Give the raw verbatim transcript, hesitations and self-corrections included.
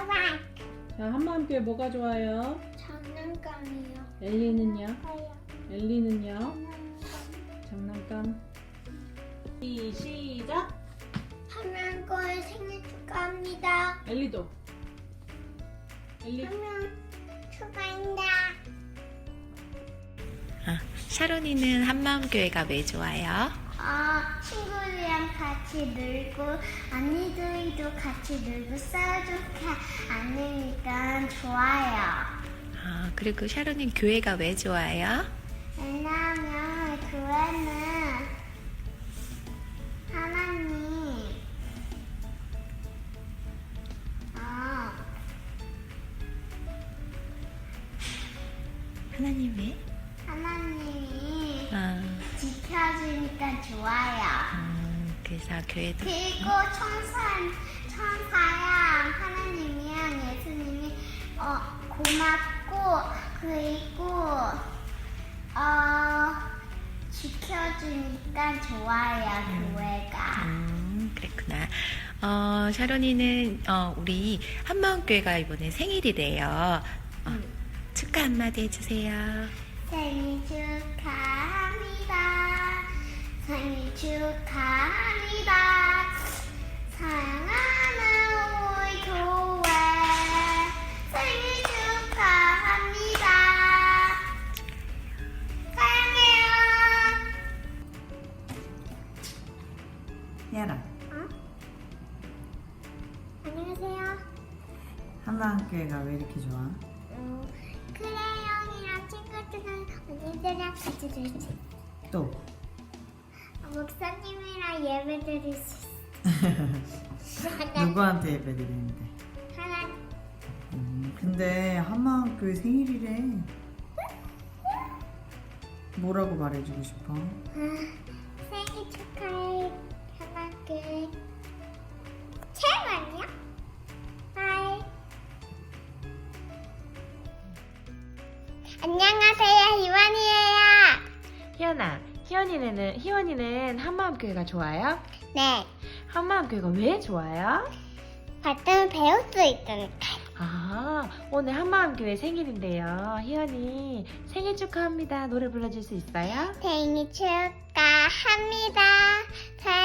자, 한마음교회 뭐가 좋아요? 장난감이요. 엘리는요? 하얀 엘리는요? 장난감. 장난감. 시, 시작. 한명거의 생일 축하합니다. 엘리도. 엘리. 한명 축하합니다. 아, 샤론이는 한마음교회가 왜 좋아요? 아, 친구들이랑 같이 놀고 언니들도 같이 놀고 싸우지 않으니까 좋아요. 아, 그리고 샤론이는 교회가 왜 좋아요? 왜냐하면 교회는 하나님 아, 하나님 왜? 하나님이 아, 지켜주니까 좋아요. 음, 그래서 교회도 그리고 천사, 천사랑 하나님이랑 예수님이 어, 고맙고 그리고 어, 지켜주니까 좋아요. 교회가. 음, 그랬구나. 어, 샤론이는 어, 우리 한마음교회가 이번에 생일이래요. 어, 축하 한마디 해주세요. 생일 축하합니다. 생일 축하합니다. 사랑하는 우리 교회 생일 축하합니다. 사랑해요. 희연아, 어? 안녕하세요. 한마음교회가 왜 이렇게 좋아? 음, 크레용이랑 친구들이랑 언니들이랑 같이 놀 수 있어. 또 목사님이랑 예배 드릴 수 있어. 누구한테 예배드리는데? 하나, 음, 근데 한마음교회 생일이래. 뭐라고 말해주고 싶어? 생일 축하해. 하나, 둘, 셋 아니야? 하이. 안녕하세요, 희원이에요. 희연아, 희연이는, 희원이는 한마음교회가 좋아요? 네, 한마음교회가 왜 좋아요? 발전을 배울 수 있으니까. 아, 오늘 한마음교회 생일인데요. 희연이 생일 축하합니다. 노래 불러줄 수 있어요? 생일 축하합니다.